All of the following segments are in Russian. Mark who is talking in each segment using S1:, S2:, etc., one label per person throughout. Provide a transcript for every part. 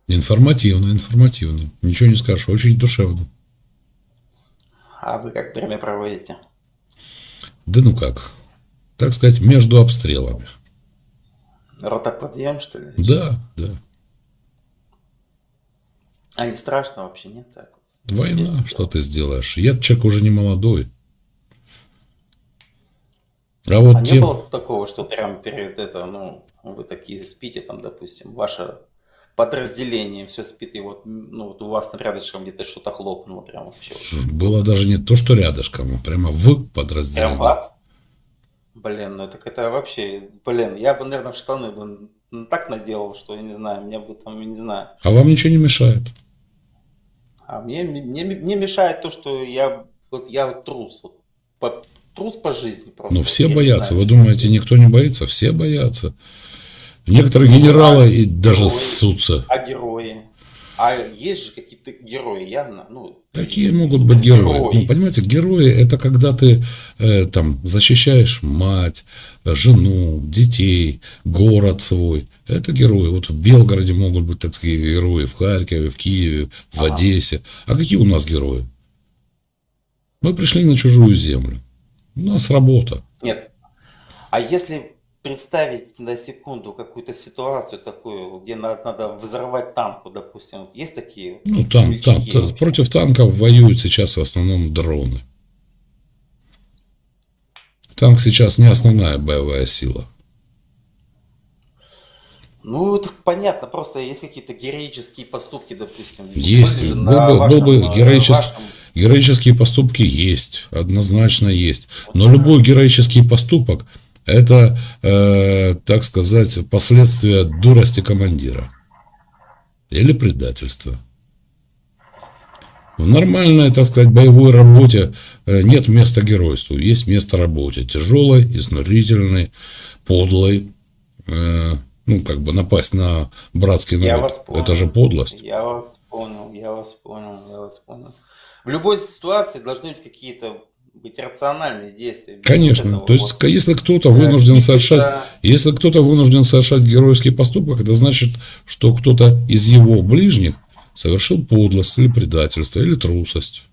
S1: Информативно, информативно. Ничего не скажешь, очень душевно.
S2: А вы как время проводите?
S1: Да ну как, так сказать, между обстрелами.
S2: Ротоподъем, что ли, или чё?
S1: Да, да.
S2: А не страшно вообще, нет? Так вот,
S1: Война,
S2: ездить
S1: что
S2: дело.
S1: ты сделаешь? Я человек уже не молодой. А
S2: А
S1: вот
S2: не
S1: тем,
S2: было такого, что прям перед это, ну, вы такие спите, там, допустим, ваше подразделение все спит, и вот, ну, вот у вас там рядышком где-то что-то хлопнуло, прям вообще вот.
S1: было даже не то, что рядышком, а прямо в
S2: Прям
S1: подразделении.
S2: бац! Блин, ну так это вообще, блин, я бы, наверное, в штаны бы так наделал, что я не знаю, мне бы там, я не знаю.
S1: А вам ничего не мешает.
S2: А мне мешает то, что я вот трус, вот, трус по жизни
S1: Но
S2: просто, вот
S1: все
S2: я не
S1: боятся.
S2: знаю,
S1: Вы
S2: почему.
S1: думаете, никто не боится? Все боятся. Некоторые
S2: Ну,
S1: генералы
S2: а
S1: и даже
S2: герои,
S1: ссутся.
S2: а герои, а есть же какие-то герои, явно, ну,
S1: Какие
S2: такие
S1: могут быть герои? Ну,
S2: супергерои.
S1: понимаете, герои это когда ты там защищаешь мать, жену, детей, город свой. Это герои. Вот в Белгороде могут быть такие герои, в Харькове, в Киеве, в
S2: Ага.
S1: Одессе. А какие у нас герои? Мы пришли на чужую землю. У нас работа.
S2: Нет, а если представить на секунду какую-то ситуацию такую, где надо взорвать танк, вот, допустим, вот есть такие вот,
S1: Ну,
S2: смельчаки вообще?
S1: против танков воюют сейчас в основном дроны. Танк сейчас не основная боевая сила.
S2: Ну, это понятно, просто есть какие-то героические поступки, допустим, были
S1: Есть.
S2: же
S1: Был
S2: на
S1: бы, был бы
S2: вашем,
S1: героические поступки есть. Однозначно есть.
S2: вот
S1: Но любой героический поступок это, так сказать, последствия дурости командира. Или предательства. В нормальной, так сказать, боевой работе нет места геройству. Есть место работе. Тяжелой, изнурительной, подлой. Ну, как бы напасть на братский
S2: я
S1: народ.
S2: вас
S1: Это же
S2: понял,
S1: подлость.
S2: я вас понял, я вас понял, я вас понял. В любой ситуации должны быть какие-то быть рациональные действия, без вот
S1: Конечно.
S2: этого
S1: То есть,
S2: вот кипиша.
S1: если кто-то вынужден совершать геройский поступок, это значит, что кто-то из его ближних совершил подлость или предательство, или трусость.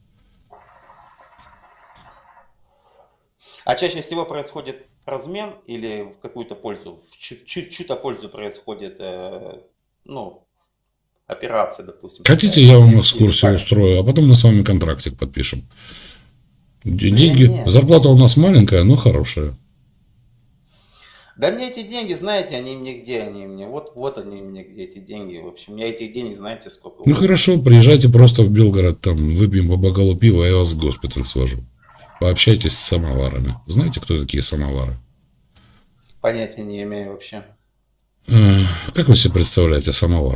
S2: А чаще всего происходит размен или в какую-то пользу, в чью-то пользу происходит, ну, операция, допустим,
S1: Хотите,
S2: такая,
S1: я вам
S2: или
S1: экскурсию
S2: как?
S1: устрою, а потом мы с вами контрактик подпишем.
S2: Да
S1: Деньги,
S2: нет.
S1: зарплата у нас маленькая, но хорошая.
S2: Да мне эти деньги, знаете, они мне где, они мне, вот они мне где, эти деньги. В общем, я этих денег, знаете, сколько,
S1: Ну
S2: вот,
S1: хорошо, приезжайте просто в Белгород, там выпьем по бокалу пива, я вас в госпиталь свожу. Пообщайтесь с самоварами. Знаете, кто такие самовары?
S2: понятия не имею вообще.
S1: Как вы себе представляете самовар?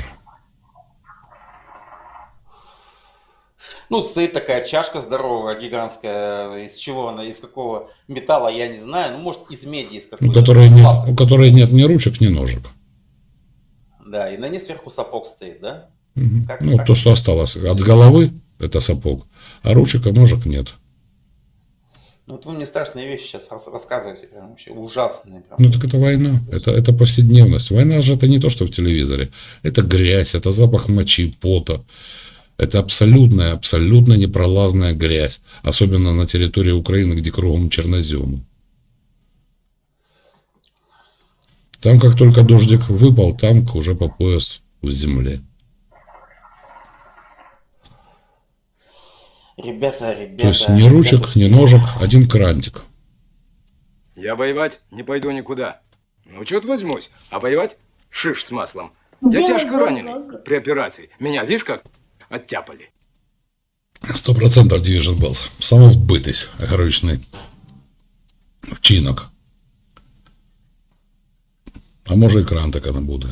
S2: Ну, стоит такая чашка здоровая, гигантская, из чего она, из какого металла, я не знаю, ну, может, из меди, из какой-то, там, сплав
S1: У
S2: какой-то.
S1: которой нет ни ручек, ни ножек.
S2: Да, и на ней сверху сапог стоит, да? Как,
S1: Ну, то,
S2: как
S1: что
S2: это?
S1: осталось от головы, это сапог, а ручек и ножек нет.
S2: Ну, вот вы мне страшные вещи сейчас рассказываете, прям вообще ужасные,
S1: Ну,
S2: прям.
S1: так это война, это повседневность. Война же это не то, что в телевизоре. Это грязь, это запах мочи, пота. Это абсолютная, абсолютно непролазная грязь. Особенно на территории Украины, где кругом черноземы. Там, как только дождик выпал, танк уже по пояс в земле.
S2: Ребята,
S1: То есть
S2: ребята,
S1: ни ручек, ни
S2: ребятушки.
S1: ножек, один крантик.
S3: Я воевать не пойду никуда. Ну, что-то возьмусь. А воевать шиш с маслом. Я
S4: Делай
S3: тяжко
S4: блог
S3: раненый
S4: блогер.
S3: при операции. Меня, видишь, как оттяпали.
S1: 100% Division Bells. Самовбитись героїчний вчинок. А може і крантика не буде.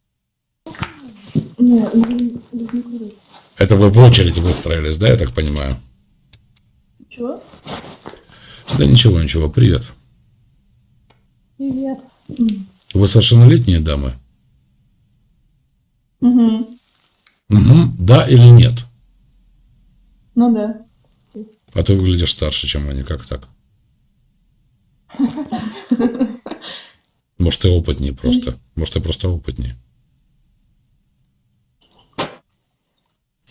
S4: Не, не курить.
S1: Это вы в очередь выстроились, да, я так понимаю?
S4: Чего?
S1: Да ничего, ничего, привет.
S4: Привет.
S1: Вы совершеннолетние дамы?
S4: Угу.
S1: Угу. Да или нет?
S4: Ну да.
S1: А ты выглядишь старше, чем они, как так? Может, ты опытнее просто. Может, ты просто опытнее.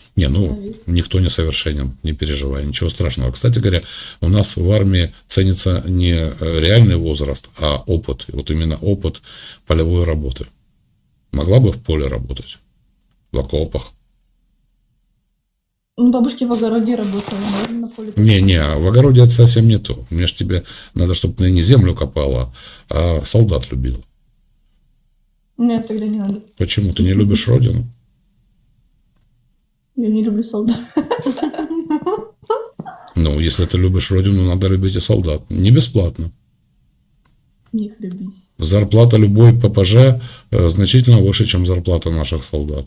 S1: Не, ну, никто не совершенен, не переживай, ничего страшного. Кстати говоря, у нас в армии ценится не реальный возраст, а опыт. И вот именно опыт полевой работы. Могла бы в поле работать, в окопах.
S4: Ну, бабушки в огороде работали, наверное, на поле.
S1: Не, в огороде это совсем не то. Мне ж тебе надо, чтобы ты не землю копала, а солдат любила.
S4: Нет, тогда не надо.
S1: Почему? Ты не любишь родину?
S4: Я не люблю солдат.
S1: Ну, если ты любишь родину, надо любить и солдат. Не бесплатно.
S4: Них любить.
S1: Зарплата любой ППЖ значительно выше, чем зарплата наших солдат.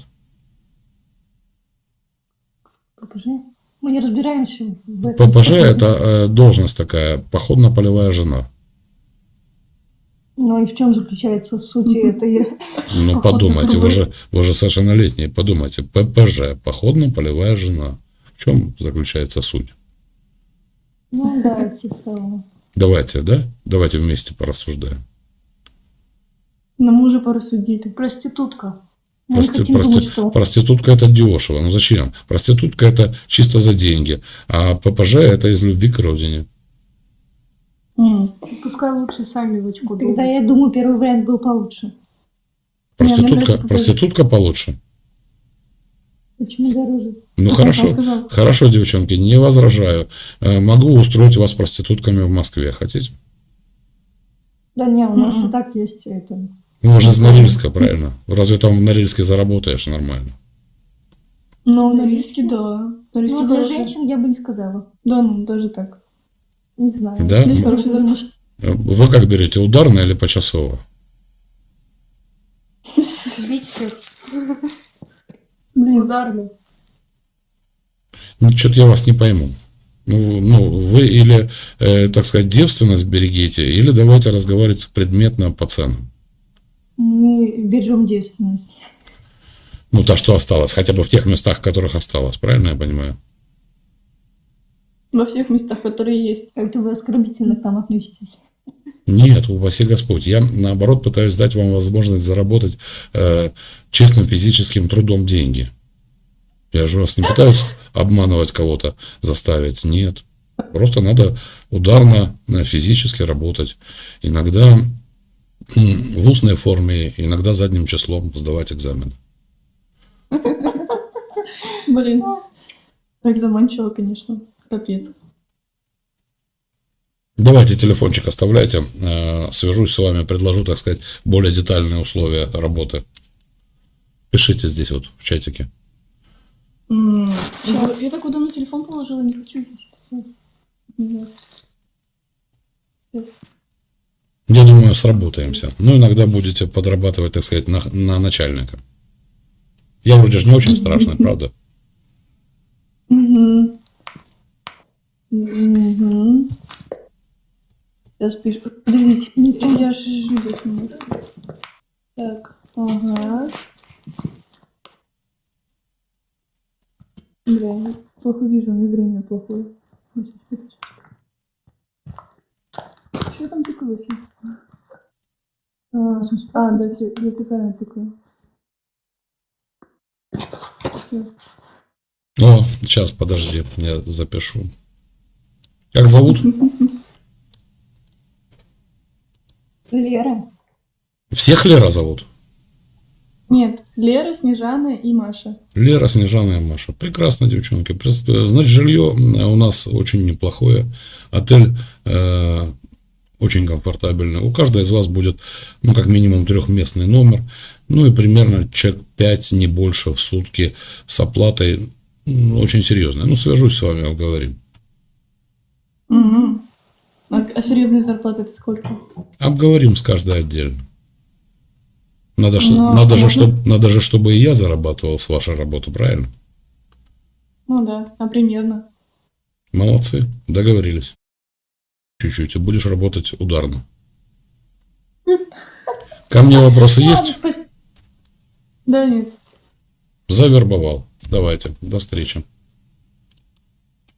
S5: ППЖ? Мы не разбираемся в этом.
S1: ППЖ это должность такая, походно-полевая жена.
S5: Ну и в чем заключается суть этой?
S1: Ну, подумайте, вы же совершеннолетние, подумайте. ППЖ, походно-полевая жена. В чем заключается суть?
S5: Ну да, типа того.
S1: Давайте, да? Давайте вместе порассуждаем.
S4: Но мы уже порассудили.
S5: Проститутка. Мы не хотим думать, что...
S1: Проститутка это дешево. Ну зачем? Проститутка это чисто за деньги. А ППЖ это из любви к родине.
S4: Пускай лучше сами в очко
S5: Тогда я думаю, первый вариант был получше.
S1: Проститутка получше.
S5: Почему дороже?
S1: Ну хорошо, девчонки, не возражаю. Могу устроить вас проститутками в Москве. Хотите?
S5: Да не, у нас и так есть это.
S1: Ну, уже из Норильска, правильно? Разве там в Норильске заработаешь нормально?
S4: Ну, на Норильске, да.
S5: Ну, для женщин я бы не сказала.
S4: Да, ну, даже так.
S5: Не знаю.
S1: Да?
S4: Здесь хороший заработок.
S1: Вы как берете, ударно или почасово?
S5: Бить всех.
S4: Блин, ударно.
S1: Ну, что-то я вас не пойму. Ну, вы или, так сказать, девственность берегите, или давайте разговаривать предметно по ценам.
S5: Мы берем девственность.
S1: Ну, то, что осталось, хотя бы в тех местах, в которых осталось, правильно я понимаю?
S4: Во всех местах, которые есть.
S5: Как-то вы оскорбительно к нам относитесь.
S1: Нет, упаси Господь. Я, наоборот, пытаюсь дать вам возможность заработать честным физическим трудом деньги. Я же вас не пытаюсь обманывать кого-то, заставить. Нет. Просто надо ударно, физически работать. Иногда в устной форме, иногда задним числом сдавать экзамен.
S4: Блин. Так заманчиво, конечно. Капец.
S1: Давайте телефончик оставляйте. Свяжусь с вами, предложу, так сказать, более детальные условия работы. Пишите здесь вот в чатике.
S4: Я так давно телефон положила, не хочу здесь.
S1: Я думаю, сработаемся. Но иногда будете подрабатывать, так сказать, на начальника. Я вроде же не очень страшный, правда?
S4: Сейчас пишу. Подождите, я же видеть не могу. Так, ага. Бля, я плохо вижу, у меня зрение плохое. Что там такое вообще? Да, все, я правильно такое. Все.
S1: О, сейчас, подожди, я запишу. Как зовут?
S5: Лера.
S1: Всех Лера зовут?
S4: Нет, Лера, Снежана и Маша.
S1: Лера, Снежана и Маша. Прекрасно, девчонки. Значит, жилье у нас очень неплохое. Отель очень комфортабельный. У каждой из вас будет, ну, как минимум трехместный номер. Ну, и примерно человек 5, не больше в сутки с оплатой очень серьезной. Ну, свяжусь с вами, обговорим.
S4: А серьезная зарплата это сколько?
S1: Обговорим с каждой отдельно. Надо же, чтобы и я зарабатывал с вашей работы, правильно?
S4: Ну да, а примерно.
S1: Молодцы, договорились. Чуть-чуть, и будешь работать ударно. Ко мне вопросы есть?
S4: Да, нет.
S1: Завербовал. Давайте, до встречи.